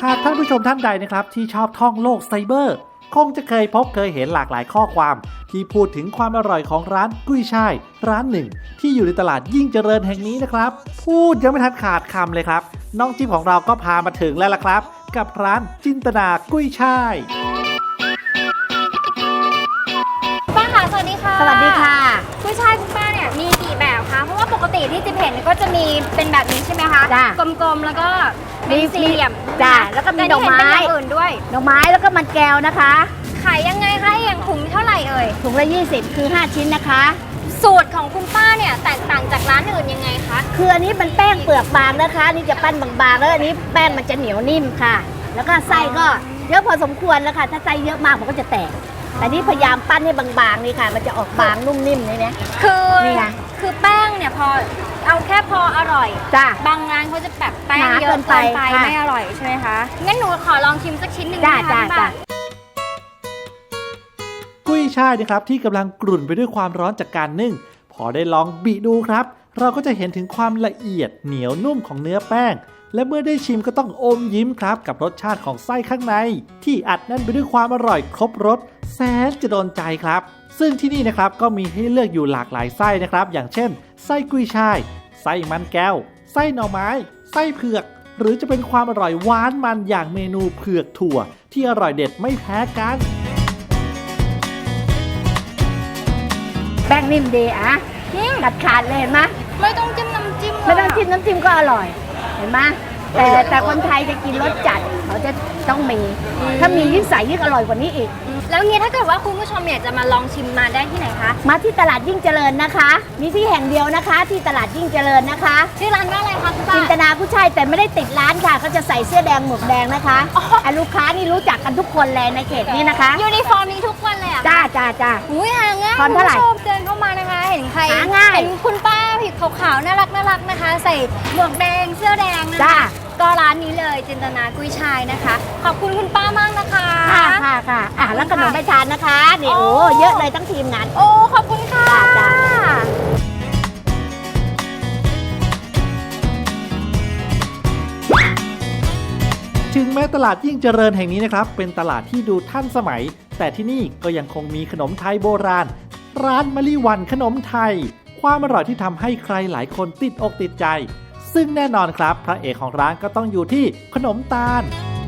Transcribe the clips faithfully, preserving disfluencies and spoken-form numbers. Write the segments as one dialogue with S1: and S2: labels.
S1: ากท่านผู้ชมท่านใดนะครับที่ชอบท่องโลกไซเบอร์คงจะเคยพบเคยเห็นหลากหลายข้อความที่พูดถึงความอร่อยของร้านกุ้ยช่ายร้านหนึ่งที่อยู่ในตลาดยิ่งเจริญแห่งนี้นะครับพูดยังไม่ทันขาดคำเลยครับน้องจิ๊บของเราก็พามาถึงแล้วล่ะครับกับร้านจินตนากุ้ยช่าย
S2: ป้าค่ะสวัสดีค่ะ
S3: สวัสดีค่ะ
S2: กุ้ยช่ายคุณป้าเนี่ยมีกี่แบบคะเพราะว่าปกติที่จิ๊บเห็นก็จะมีเป็นแบบนี้ใช่ไหมคะกลมๆแล้วก็เป็นสี่เหลี่ยม
S3: จ้าแล้วก็มีดอกไม้
S2: อื่นด้วย
S3: ดอกไม้แล้วก็มันแก้วนะคะ
S2: ขายยังไงคะอย่างถุงเท่าไหร่เอ่ย
S3: ถุงละยี่สิบคือห้าชิ้นนะคะ
S2: สูตรของคุณป้าเนี่ยแตกต่างจากร้านอื่นยังไงคะ
S3: คืออันนี้มันแป้งเปลือกบางนะคะนี่จะปั้นบางๆแล้วอันนี้แป้งมันจะเหนียวนิ่มค่ะแล้วก็ไส้ก็เยอะพอสมควรแล้วค่ะถ้าไส้เยอะมากมันก็จะแตกแต่นี่พยายามปั้นให้บางๆนี่ค่ะมันจะออกบางนุ่มนิ่มนี่นะ
S2: คือคือแป้งเนี่ยพอเอาแค่พออร่อย
S3: จ้า
S2: บางร้านเขาจะแบบแป้งเยอะเกินไปไม่อร่อยใช่ไหมคะงั้นหนูขอลองชิมสักชิ้นหนึ่งนะคะจ้าจ้า
S1: กุ้ยช่ายนะครับที่กำลังกรุ่นไปด้วยความร้อนจากการนึ่งพอได้ลองบีดูครับเราก็จะเห็นถึงความละเอียดเหนียวนุ่มของเนื้อแป้งและเมื่อได้ชิมก็ต้องอมยิ้มครับกับรสชาติของไส้ข้างในที่อัดแน่นไปด้วยความอร่อยครบรสแสนจะโดนใจครับซึ่งที่นี่นะครับก็มีให้เลือกอยู่หลากหลายไส้นะครับอย่างเช่นไส้กุ้ยช่ายไส้มันแก้วไส้หน่อไม้ไส้เผือกหรือจะเป็นความอร่อยหวานมันอย่างเมนูเผือกถั่วที่อร่อยเด็ดไม่แพ้กัน
S3: แป้งนิ่มดีอ่ะกัดขาดเลยเห็นไหม
S2: ไม่ต้องจิ้มน้ำจิ้ม
S3: ไม่ต้องจิ้มน้ำจิ้มก็อร่อยเห็นไหมแต่แต่คนไทยจะกินรสจัดเขาจะต้องมีถ้ามียิ่งใส่ยิ่งอร่อยกว่านี้อีก
S2: แล้วงี้ถ้าเกิดว่าคุณผู้ชมอยากจะมาลองชิมมาได้ที่ไหนคะ
S3: มาที่ตลาดยิ่งเจริญนะคะมีที่แห่งเดียวนะคะที่ตลาดยิ่งเจริญนะคะ
S2: ชื่อร้านว่าอะไรคะคุณป้า
S3: จินตนากุ้ยช่ายแต่ไม่ได้ติดร้านค่ะเขาจะใส่เสื้อแดงหมวกแดงนะคะอันลูกค้านี่รู้จักกันทุกคนเลยในเขตนี้นะคะ
S2: ยูนิฟอร์มนี้ทุกคนเลยอ่ะ
S3: จ้าจ้าจ้า
S2: อุ้ยหาง่ายคุณผู้ชมเดินเข้ามานะคะเห็นใคร
S3: หาง่าย
S2: เห็นคุณป้าผิวขาวๆน่ารักน่ารักนะคะใส่หมวกแดงเสื้อแดงนะคะก็ร้านนี้เลยจินตนากุ้ยช่ายนะคะขอบคุณคุณป้ามากนะคะ
S3: ค่ะค่ะค่ะอ่ะแล้วขนมไปทานนะคะนี่โอ้เยอะเลยทั้งทีมงาน
S2: โอ้ขอบคุณค่ะ
S1: ถึงแม้ตลาดยิ่งเจริญแห่งนี้นะครับเป็นตลาดที่ดูทันสมัยแต่ที่นี่ก็ยังคงมีขนมไทยโบราณร้านมะลิวันขนมไทยความอร่อยที่ทำให้ใครหลายคนติดอกติดใจซึ่งแน่นอนครับพระเอกของร้านก็ต้องอยู่ที่ขนมตาล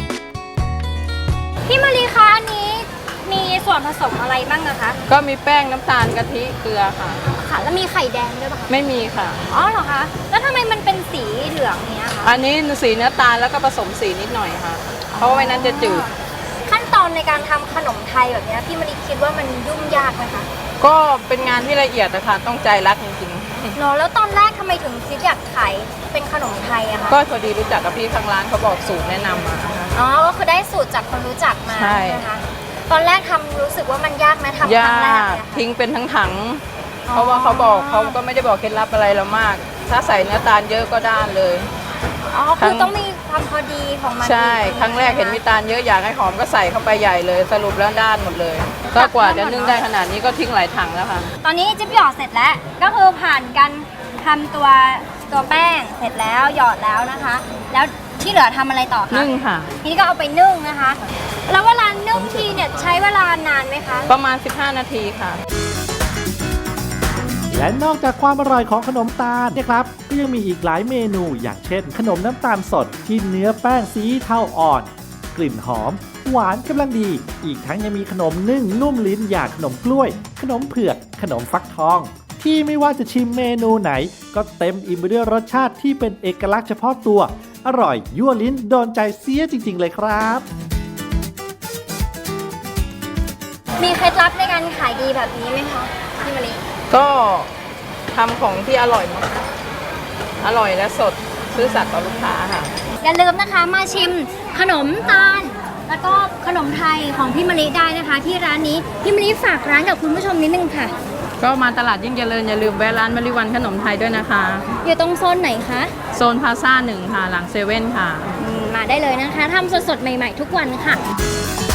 S2: พี่มารีคะอันนี้มีส่วนผสมอะไรบ้างนะคะ
S4: ก็มีแป้งน้ำตาลกะทิเกลือค่ะ
S2: ค่ะแล้วมีไข่แดงด้วยป่ะคะ
S4: ไม่มีค่ะ
S2: อ๋อเหรอคะแล้วทำไมมันเป็นสีเหลืองเนี้ยคะ
S4: อันนี้สีเนื้อตาลแล้วก็ผสมสีนิดหน่อยค่ะเพราะว่าไม่นั้นจะจืด
S2: ขั้นตอนในการทำขนมไทยแบบนี้พี่มารีคิดว่ามันยุ่งยากไหมคะ
S4: ก็เป็นงานที่ละเอียดนะคะต้องใจรักจริง
S2: ๆเนาะแล้วตอนแรกทำไมถึงคิดอยากขายเป็นขนมไทยอะคะ
S4: ก็พอดีรู้จักกับพี่ข้างร้านเขาบอกสูตรแนะนำมา
S2: อ๋อก็คือได้สูตรจากคนรู้จักมา
S4: ใช่
S2: นะคะตอนแรกทำรู้สึกว่ามันยากไหมทำครั้งแรก
S4: ทิ้งเป็นทั้งถังเพราะว่าเขาบอกเขาก็ไม่ได้บอกเคล็ดลับอะไรเรามากถ้าใส่เนื้อตาลเยอะก็ด้านเลย
S2: อ๋อคือต้องมีความพอดีของมัน
S4: ใช่ครั้งแรกเห็นมีตาลเยอะอยากให้หอมก็ใส่เข้าไปใหญ่เลยสรุปแล้วด้านหมดเลยก็กว่าจะนึ่งได้ขนาดนี้ก็ทิ้งหลายถังแล้วค่ะ
S2: ตอนนี้จิ๊บหยอดเสร็จแล้วก็คือผ่านการทำตัวตัวแป้งเสร็จแล้วหยอดแล้วนะคะแล้วที่เหลือทำอะไรต่อคะ
S4: นึ่งค่ะ
S2: ทีนี้ก็เอาไปนึ่งนะคะแล้วเวลานึ่งทีเนี่ยใช้เวลานานไหมคะ
S4: ประมาณสิบห้านาทีค่ะ
S1: และนอกจากความอร่อยของขนมตาลนะครับก็ยังมีอีกหลายเมนูอย่างเช่นขนมน้ำตาลสดที่เนื้อแป้งสีเทาอ่อนกลิ่นหอมหวานกำลังดีอีกทั้งยังมีขนมนึ่งนุ่มลิ้นอย่างขนมกล้วยขนมเผือกขนมฟักทองที่ไม่ว่าจะชิมเมนูไหนก็เต็มอิ่มไปด้วยรสชาติที่เป็นเอกลักษณ์เฉพาะตัวอร่อยยั่วลิ้นโดนใจเสียจริงๆเลยครับ
S2: มีเคล็ดลับในการขายดีแบบนี้ไหมคะพี่มะลิ
S4: ก็ทำของที่อร่อยมากอร่อยและสดซื่อสัตย์ต่อลูกค้าค่ะ
S2: อย่าลืมนะคะมาชิมขนมตาลแล้วก็ขนมไทยของพี่มะลิได้นะคะที่ร้านนี้พี่มะลิฝากร้านกับคุณผู้ชมนิดนึงค่ะ
S4: ก็มาตลาดยิ่งเจริญอย่าลืมแวะร้านมะลิวันขนมไทยด้วยนะคะ
S2: อยู่ตรงโซนไหนคะ
S4: โซนพาซ่าหนึ่งค่ะหลังเซเว่นค่ะ
S2: มาได้เลยนะคะทำสดๆใหม่ๆทุกวันค่ะ